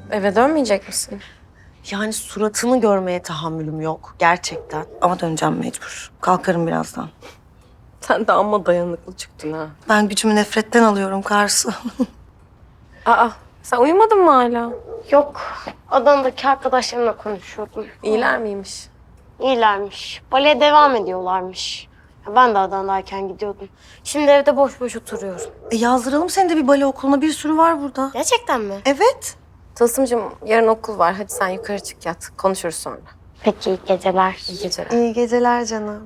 Eve dönmeyecek misin? Yani suratını görmeye tahammülüm yok gerçekten. Ama döneceğim mecbur. Kalkarım birazdan. Sen de amma dayanıklı çıktın ha. Ben gücümü nefretten alıyorum Karsu. Aa, sen uyumadın mı hala? Yok, Adana'daki arkadaşlarımla konuşuyordum. İyiler miymiş? İyilermiş. Baleye devam ediyorlarmış. Ya ben de Adana'dayken gidiyordum. Şimdi evde boş boş oturuyorum. Yazdıralım seni de bir bale okuluna. Bir sürü var burada. Gerçekten mi? Evet. Tılsımcığım yarın okul var. Hadi sen yukarı çık yat. Konuşuruz sonra. Peki, iyi geceler. İyi geceler. İyi geceler canım.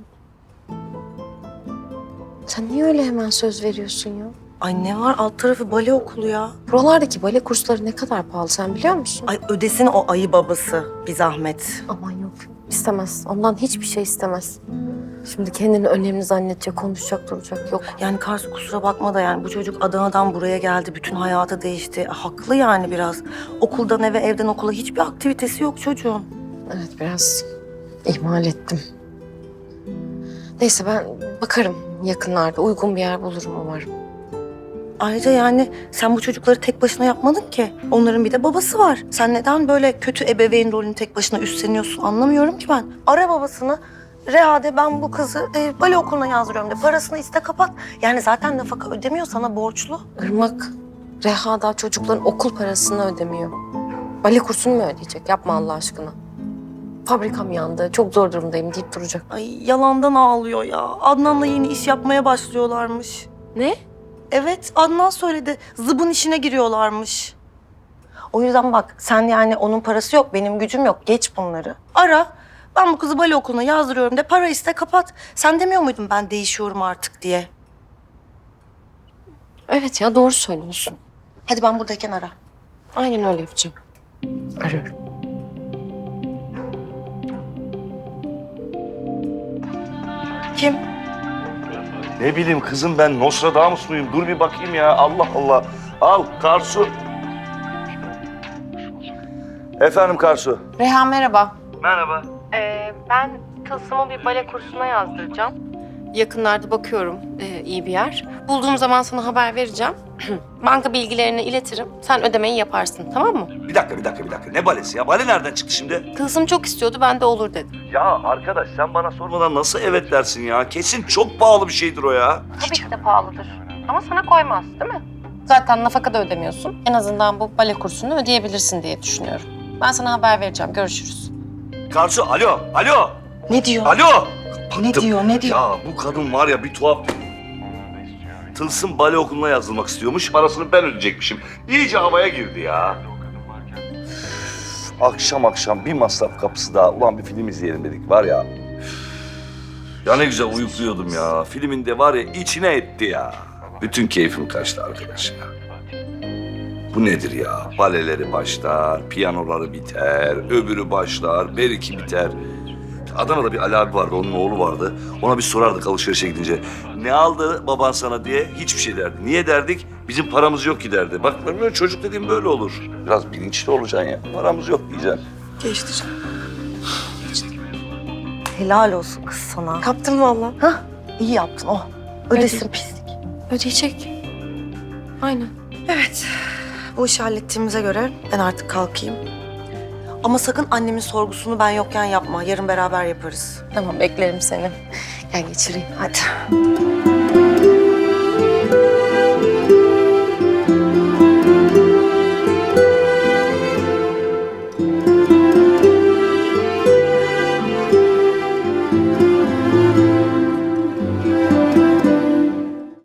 Sen niye öyle hemen söz veriyorsun ya? Ay ne var alt tarafı bale okulu ya. Buralardaki bale kursları ne kadar pahalı sen biliyor musun? Ay ödesin o ayı babası bir zahmet. Aman yok. İstemez. Ondan hiçbir şey istemez. Şimdi kendini önemli zannedecek, konuşacak, duracak. Yok. Yani Karsu kusura bakma da yani bu çocuk Adana'dan buraya geldi. Bütün hayatı değişti. Haklı yani biraz. Okuldan eve, evden okula hiçbir aktivitesi yok çocuğun. Evet biraz ihmal ettim. Neyse ben bakarım yakınlarda. Uygun bir yer bulurum umarım. Ayrıca yani sen bu çocukları tek başına yapmadın ki. Onların bir de babası var. Sen neden böyle kötü ebeveyn rolünü tek başına üstleniyorsun anlamıyorum ki ben. Ara babasını. Reha'de ben bu kızı bale okuluna yazdırıyorum de. Parasını iste kapat. Yani zaten nafaka ödemiyor sana borçlu. Irmak, Reha daha çocukların okul parasını ödemiyor. Bale kursunu mu ödeyecek? Yapma Allah aşkına. Fabrikam yandı, çok zor durumdayım deyip duracak. Ay yalandan ağlıyor ya. Adnan'la yeni iş yapmaya başlıyorlarmış. Ne? Evet Adnan söyledi. Zıbın işine giriyorlarmış. O yüzden bak sen yani onun parası yok, benim gücüm yok. Geç bunları. Ara. Ben bu kızı bale okuluna yazdırıyorum de para iste kapat. Sen demiyor muydun ben değişiyorum artık diye? Evet ya doğru söylüyorsun. Hadi ben buradayken ara. Aynen öyle yapacağım. Arıyorum. Kim? Ne bileyim kızım ben Nostradamus muyum? Dur bir bakayım ya. Allah Allah. Al Karsu. Efendim Karsu. Reha merhaba. Merhaba. Ben Tılsım'ı bir bale kursuna yazdıracağım. Yakınlarda bakıyorum iyi bir yer. Bulduğum zaman sana haber vereceğim. Banka bilgilerini iletirim. Sen ödemeyi yaparsın tamam mı? Bir dakika. Ne balesi ya? Bale nereden çıktı şimdi? Tılsım çok istiyordu ben de olur dedim. Ya arkadaş sen bana sormadan nasıl evet dersin ya? Kesin çok pahalı bir şeydir o ya. Tabii ki de pahalıdır. Ama sana koymaz değil mi? Zaten nafaka da ödemiyorsun. En azından bu bale kursunu ödeyebilirsin diye düşünüyorum. Ben sana haber vereceğim. Görüşürüz. Karsu alo. Ne diyor? Alo. Ne diyor? Ne diyor? Ya bu kadın var ya bir tuhaf. Tılsım bale okuluna yazılmak istiyormuş. Parasını ben ödeyecekmişim. İyice havaya girdi ya. Üf, akşam bir masraf kapısı daha. Ulan bir film izleyelim dedik var ya. Ya ne güzel uyukluyordum ya. Filmin de var ya içine etti ya. Bütün keyfim kaçtı arkadaş ya. Bu nedir ya? Baleleri başlar, piyanoları biter, öbürü başlar, beriki biter. Adana'da bir Ali abi vardı, onun oğlu vardı. Ona bir sorardık alışverişe gidince. Ne aldı baban sana diye hiçbir şey derdi. Niye derdik? Bizim paramız yok ki derdi. Bak böyle çocuk dediğim böyle olur. Biraz bilinçli olacaksın ya. Paramız yok diyeceksin. Geçti canım. Helal olsun kız sana. Kaptım valla. Hah iyi yaptın oh. Ödesin pislik. Ödeyecek. Aynen. Evet. Bu işi hallettiğimize göre ben artık kalkayım. Ama sakın annemin sorgusunu ben yokken yapma. Yarın beraber yaparız. Tamam beklerim seni. Gel geçireyim. Hadi.